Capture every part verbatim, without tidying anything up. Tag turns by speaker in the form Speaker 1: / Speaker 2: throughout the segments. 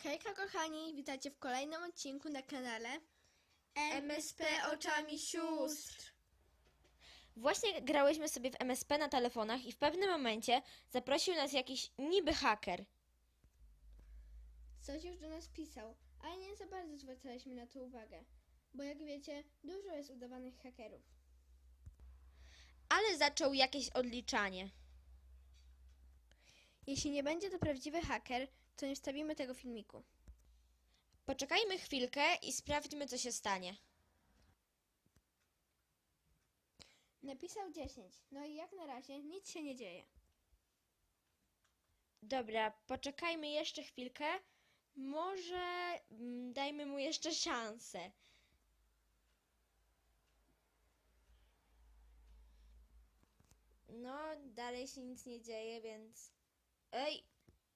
Speaker 1: Hejka kochani, witajcie w kolejnym odcinku na kanale
Speaker 2: M S P oczami sióstr.
Speaker 3: Właśnie grałyśmy sobie w M S P na telefonach i w pewnym momencie zaprosił nas jakiś niby haker.
Speaker 1: Coś już do nas pisał, ale nie za bardzo zwracaliśmy na to uwagę, bo jak wiecie, dużo jest udawanych hakerów.
Speaker 3: Ale zaczął jakieś odliczanie.
Speaker 1: Jeśli nie będzie to prawdziwy haker, to nie wstawimy tego filmiku.
Speaker 3: Poczekajmy chwilkę i sprawdźmy, co się stanie.
Speaker 1: Napisał dziesięć, no i jak na razie nic się nie dzieje.
Speaker 3: Dobra, poczekajmy jeszcze chwilkę. Może mm, dajmy mu jeszcze szansę. No, dalej się nic nie dzieje, więc... Ej!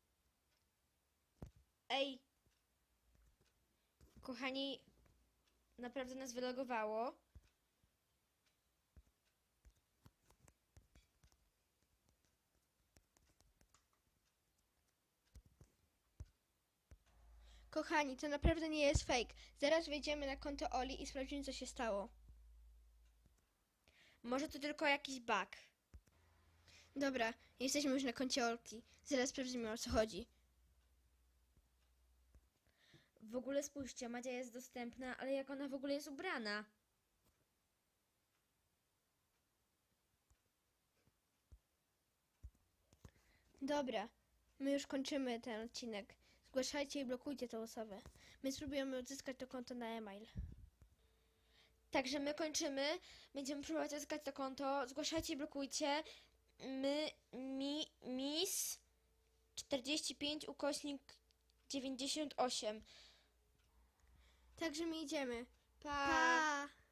Speaker 3: Ej! Kochani, naprawdę nas wylogowało.
Speaker 1: Kochani, to naprawdę nie jest fake. Zaraz wejdziemy na konto Oli i sprawdzimy, co się stało.
Speaker 3: Może to tylko jakiś bug.
Speaker 1: Dobra, jesteśmy już na koncie Olki. Zaraz sprawdzimy, o co chodzi.
Speaker 3: W ogóle spójrzcie, Madzia jest dostępna, ale jak ona w ogóle jest ubrana?
Speaker 1: Dobra, my już kończymy ten odcinek. Zgłaszajcie i blokujcie tę osobę. My spróbujemy odzyskać to konto na e-mail.
Speaker 3: Także my kończymy. Będziemy próbować odzyskać to konto. Zgłaszajcie i blokujcie. My, mi, mis czterdzieści pięć ukośnik dziewięćdziesiąt osiem.
Speaker 1: Także my idziemy.
Speaker 3: Pa!
Speaker 1: Pa!